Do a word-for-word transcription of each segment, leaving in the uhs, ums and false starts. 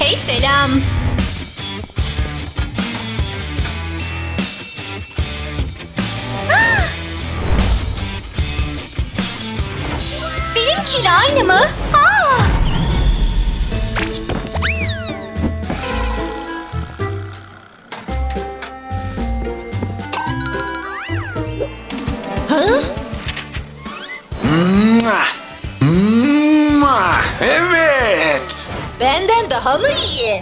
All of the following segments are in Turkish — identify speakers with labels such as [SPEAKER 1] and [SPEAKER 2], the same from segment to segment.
[SPEAKER 1] Hey selam. Benimkiyle aynı mı? Aa! Ha?
[SPEAKER 2] Mwah! Mwah! Evet.
[SPEAKER 1] Benden daha mı iyi?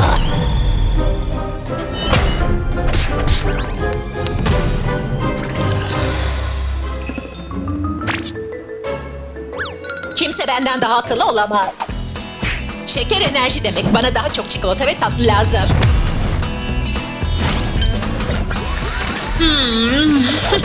[SPEAKER 1] Kimse benden daha akıllı olamaz. Şeker enerji demek. Bana daha çok çikolata ve tatlı lazım. Hmm.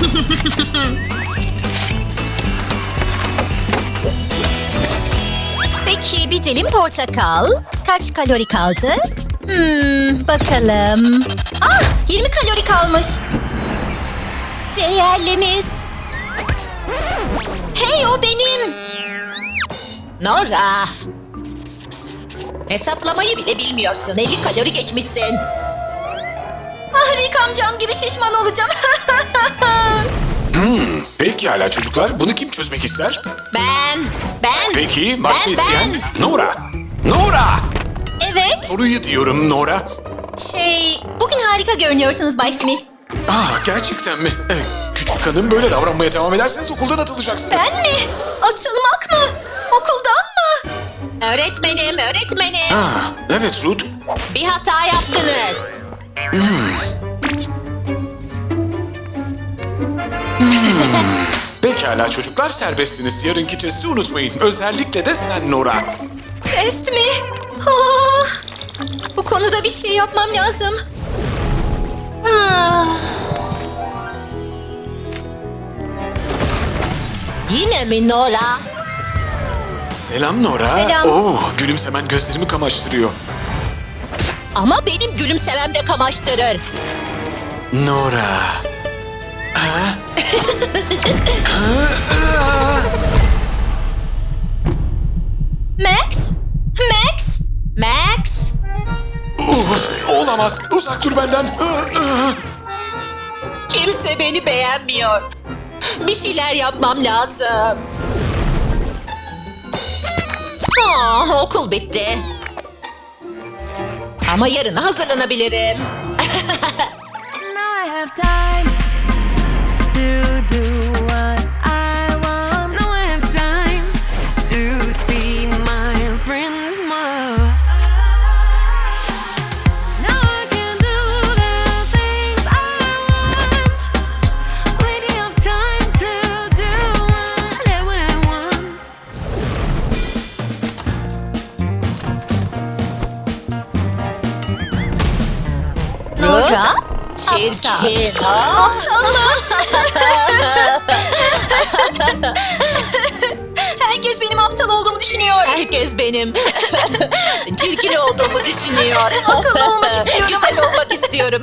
[SPEAKER 1] Peki bir dilim portakal. Kaç kalori kaldı? Hmm, bakalım. Ah, yirmi kalori kalmış. Değerlimiz. Hey, o benim. Nora. Hesaplamayı bile bilmiyorsun. elli kalori geçmişsin. Ah, Rick amcam gibi şişman olacağım.
[SPEAKER 2] Pekala çocuklar, bunu kim çözmek ister?
[SPEAKER 1] Ben, ben.
[SPEAKER 2] Peki, başka
[SPEAKER 1] ben,
[SPEAKER 2] isteyen?
[SPEAKER 1] ben.
[SPEAKER 2] Nora! Nora!
[SPEAKER 1] Evet.
[SPEAKER 2] Soruyu diyorum Nora.
[SPEAKER 1] Şey, bugün harika görünüyorsunuz Bay Smith.
[SPEAKER 2] Aa, gerçekten mi? Evet, küçük hanım böyle davranmaya devam ederseniz okuldan atılacaksınız.
[SPEAKER 1] Ben mi? Atılmak mı? Okuldan mı? Öğretmenim, öğretmenim.
[SPEAKER 2] Aa, evet Ruth.
[SPEAKER 1] Bir hata yaptınız.
[SPEAKER 2] Pekala çocuklar, serbestsiniz. Yarınki testi unutmayın. Özellikle de sen Nora.
[SPEAKER 1] Test mi? Ah, bu konuda bir şey yapmam lazım. Ah. Yine mi Nora?
[SPEAKER 2] Selam Nora.
[SPEAKER 1] Selam.
[SPEAKER 2] Oo, gülümsemen gözlerimi kamaştırıyor.
[SPEAKER 1] Ama benim gülümsemem de kamaştırır.
[SPEAKER 2] Nora. Ha?
[SPEAKER 1] Max? Max? Max?
[SPEAKER 2] Uf, olamaz. Uzak dur benden.
[SPEAKER 1] Kimse beni beğenmiyor. Bir şeyler yapmam lazım. Ah, okul bitti. Ama yarına hazırlanabilirim.
[SPEAKER 3] Now I have time to do what I want. Now I have time to see my friends more. Now I can do the things I want. Plenty of time to do whatever I want.
[SPEAKER 1] Nora? Çirkin. Aptal mı? Herkes benim aptal olduğumu düşünüyor. Herkes benim çirkin olduğumu düşünüyor. Akıllı olmak istiyorum. Güzel olmak istiyorum.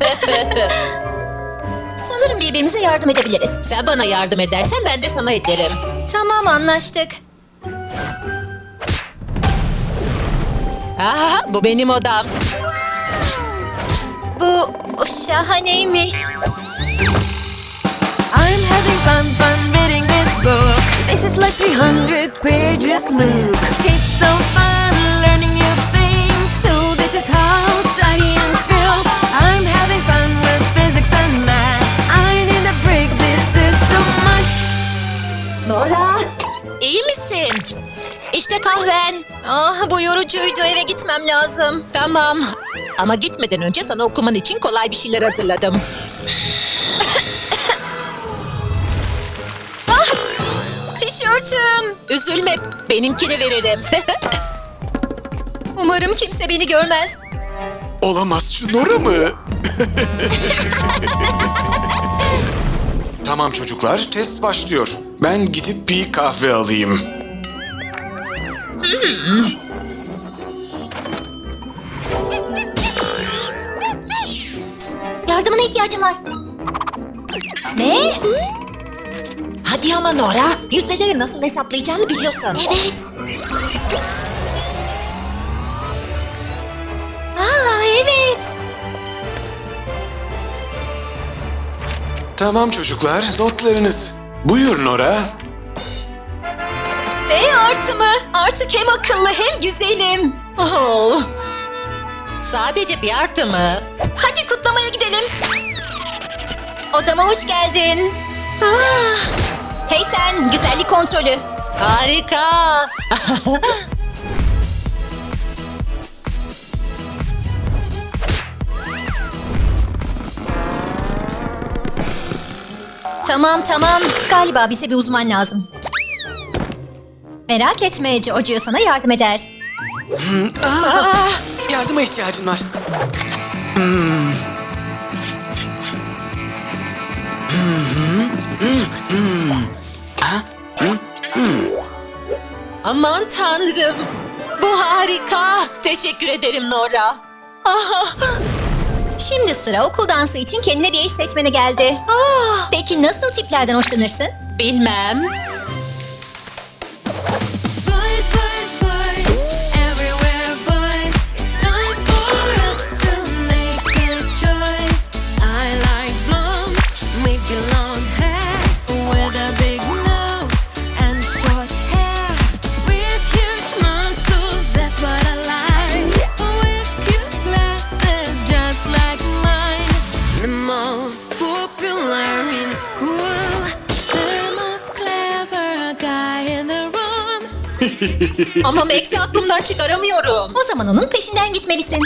[SPEAKER 1] Sanırım birbirimize yardım edebiliriz. Sen bana yardım edersen ben de sana ederim. Tamam, anlaştık. Aha, bu benim odam. Bu şahaneymiş.
[SPEAKER 3] I'm having fun, fun reading this book. This is like three hundred pages, look. It's so fun learning new things. So this is how studying feels. I'm having fun with physics and math. I need a break, this is too much.
[SPEAKER 1] Nora, iyi misin? İşte kahven. Ah, bu yorucuydu. Eve gitmem lazım. Tamam. Ama gitmeden önce sana okuman için kolay bir şeyler hazırladım. Ah, tişörtüm. Üzülme, benimkini veririm. Umarım kimse beni görmez.
[SPEAKER 2] Olamaz, şu Nora mı? Tamam çocuklar, test başlıyor. Ben gidip bir kahve alayım.
[SPEAKER 1] Yardımına ihtiyacım var. Ne? Hadi ama Nora, yüzdeleri nasıl hesaplayacağını biliyorsun. Evet.
[SPEAKER 2] Tamam çocuklar, notlarınız. Buyur Nora.
[SPEAKER 1] E artı mı? Artık hem akıllı hem güzelim. Oh. Sadece bir artı mı? Hadi kutlamaya gidelim. Odama hoş geldin. Ah. Hey sen, güzellik kontrolü. Harika. Tamam tamam. Galiba bize bir uzman lazım. Merak etme, Giorgio sana yardım eder.
[SPEAKER 2] Aa, yardıma ihtiyacın var.
[SPEAKER 1] Aman tanrım. Bu harika. Teşekkür ederim Nora. Ah. Şimdi sıra okul dansı için kendine bir eş seçmene geldi. Ah. Peki nasıl tiplerden hoşlanırsın? Bilmem.
[SPEAKER 3] Boys, boys, boys, everywhere boys. It's time for us to make a choice. I like blondes with long hair, with a big nose and short hair, with huge muscles. That's what I like. With cute glasses, just like mine. The most popular in school, the most clever guy in the room.
[SPEAKER 1] Ama Max'i aklımdan çıkaramıyorum. O zaman onun peşinden gitmelisin.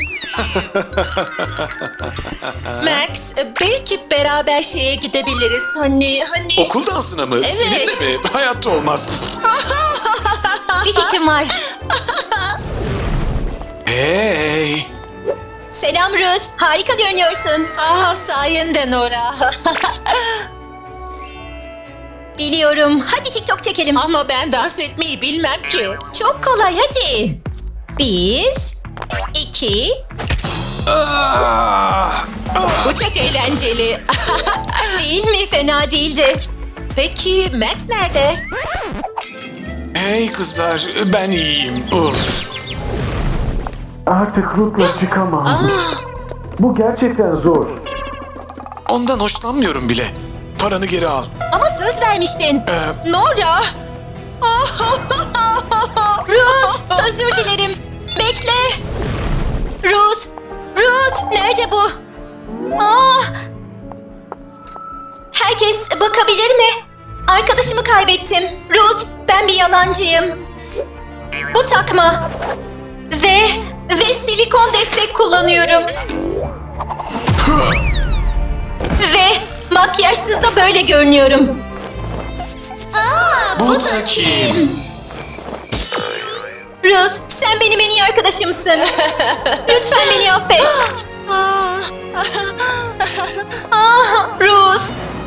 [SPEAKER 1] Max, belki beraber şeye gidebiliriz. Hani, hani...
[SPEAKER 2] Okul dansına mı?
[SPEAKER 1] Evet.
[SPEAKER 2] Seninle mi? Hayatta olmaz.
[SPEAKER 1] Bir fikrim var.
[SPEAKER 2] Hey!
[SPEAKER 1] Selam Ruth, harika görünüyorsun. Ah, sayende Nora. Biliyorum, hadi TikTok çekelim. Ama ben dans etmeyi bilmem ki. Çok kolay, hadi. Bir, iki...
[SPEAKER 2] Ah!
[SPEAKER 1] Bu çok eğlenceli. Değil mi? Fena değildi. Peki Max nerede?
[SPEAKER 2] Hey kızlar, ben iyiyim. Uf.
[SPEAKER 4] Artık Ruth'la çıkamam. Bu gerçekten zor.
[SPEAKER 2] Ondan hoşlanmıyorum bile. Paranı geri al.
[SPEAKER 1] Ama söz vermiştin.
[SPEAKER 2] Ee,
[SPEAKER 1] Nora! Ruth, özür dilerim. Bekle. Ruth, Ruth, nerede bu? Ah! Herkes bakabilir mi? Arkadaşımı kaybettim. Ruth, ben bir yalancıyım. Bu takma. Ve, ve silikon destek kullanıyorum. Ve makyajsız da böyle görünüyorum. Aa,
[SPEAKER 2] bu da kim?
[SPEAKER 1] Ruth, sen benim en iyi arkadaşımsın. Lütfen beni affet. Ah, Ruth.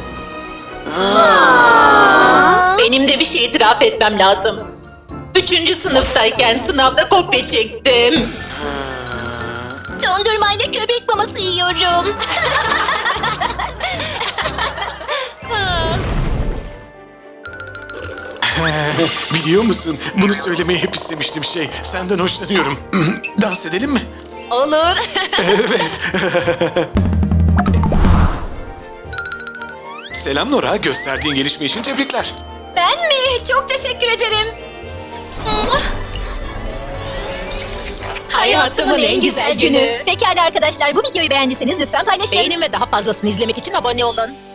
[SPEAKER 1] Benim de bir şey itiraf etmem lazım. Üçüncü sınıftayken sınavda kopya çektim. Dondurmayla köpek maması yiyorum.
[SPEAKER 2] Biliyor musun? Bunu söylemeyi hep istemiştim şey. Senden hoşlanıyorum. Dans edelim mi?
[SPEAKER 1] Olur.
[SPEAKER 2] Evet. Selam Nora. Gösterdiğin gelişme için tebrikler.
[SPEAKER 1] Ben mi? Çok teşekkür ederim. Hayatımın en güzel günü. Pekala arkadaşlar, bu videoyu beğendiyseniz lütfen paylaşın. Beğenin ve daha fazlasını izlemek için abone olun.